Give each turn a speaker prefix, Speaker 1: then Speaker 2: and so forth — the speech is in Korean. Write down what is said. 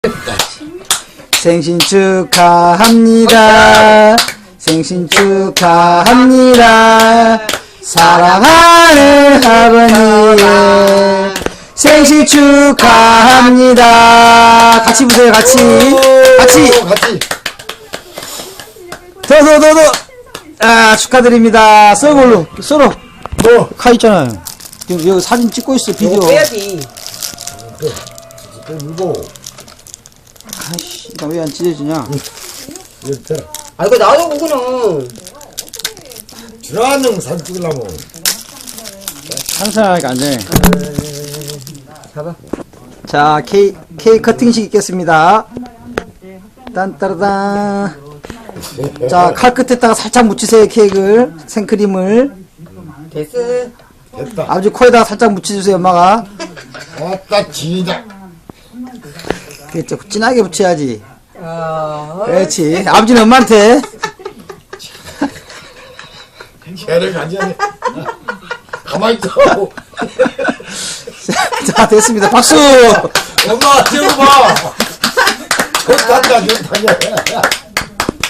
Speaker 1: 생신 축하합니다. 생신 축하합니다. 사랑하는 아버님 생신 축하합니다. 같이 보세요. 같이. 더. 아, 축하드립니다. 서로 가 있잖아요. 지금 여기 사진 찍고 있어. 비디오.
Speaker 2: 빼야지.
Speaker 1: 아이씨, 나 왜 안 찢어지냐?
Speaker 2: 아, 이거 놔둬, 그거는.
Speaker 3: 주라는 사진 찍으려면.
Speaker 1: 항상 하니까 안 되네.
Speaker 2: 봐봐.
Speaker 1: 자, 케이크 커팅식 있겠습니다. 딴따라단. 자, 칼 끝에다가 살짝 묻히세요, 케이크를. 생크림을.
Speaker 2: 됐어.
Speaker 3: 됐다.
Speaker 1: 아버지 코에다가 살짝 묻혀주세요, 엄마가.
Speaker 3: 아따, 지다.
Speaker 1: 그렇죠. 진하게 붙여야지.
Speaker 2: 아,
Speaker 1: 그렇지. 아버지는 엄마한테.
Speaker 3: 개를 가져야 돼. 가만히 있어.
Speaker 1: 자, 됐습니다. 박수!
Speaker 3: 엄마, 저거 봐. 좋단다.